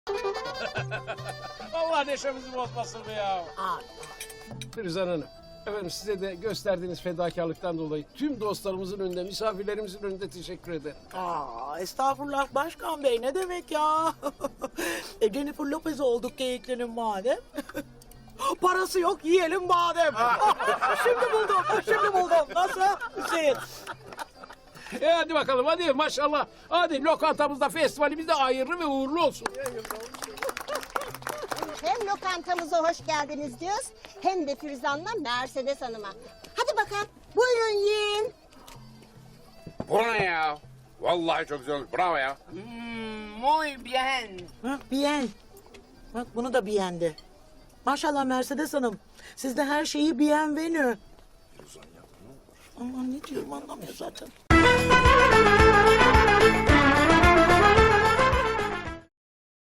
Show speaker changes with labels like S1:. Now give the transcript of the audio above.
S1: Vallahi neşemizi bozmasın be ya. Firuzan Hanım, efendim size de gösterdiğiniz fedakarlıktan dolayı tüm dostlarımızın önünde, misafirlerimizin önünde teşekkür ederim.
S2: Estağfurullah başkan bey, ne demek ya? Jennifer Lopez olduk Geyikli'nin madem. Parası yok, yiyelim badem. Şimdi buldum. Nasıl Hüseyin?
S1: Hadi bakalım, hadi maşallah. Hadi lokantamızda, festivalimizde hayırlı ve uğurlu olsun.
S3: Hem lokantamıza hoş geldiniz diyoruz, hem de Firuzan'la Mercedes Hanım'a. Hadi bakalım, buyurun yiyin.
S4: Bu ne ya? Vallahi çok güzel olmuş. Bravo ya.
S5: Muy bien.
S2: Bien. Bak bunu da beğendi. Maşallah Mercedes Hanım. Siz de her şeyi bienvenue. Aman ne diyorum anlamıyor zaten.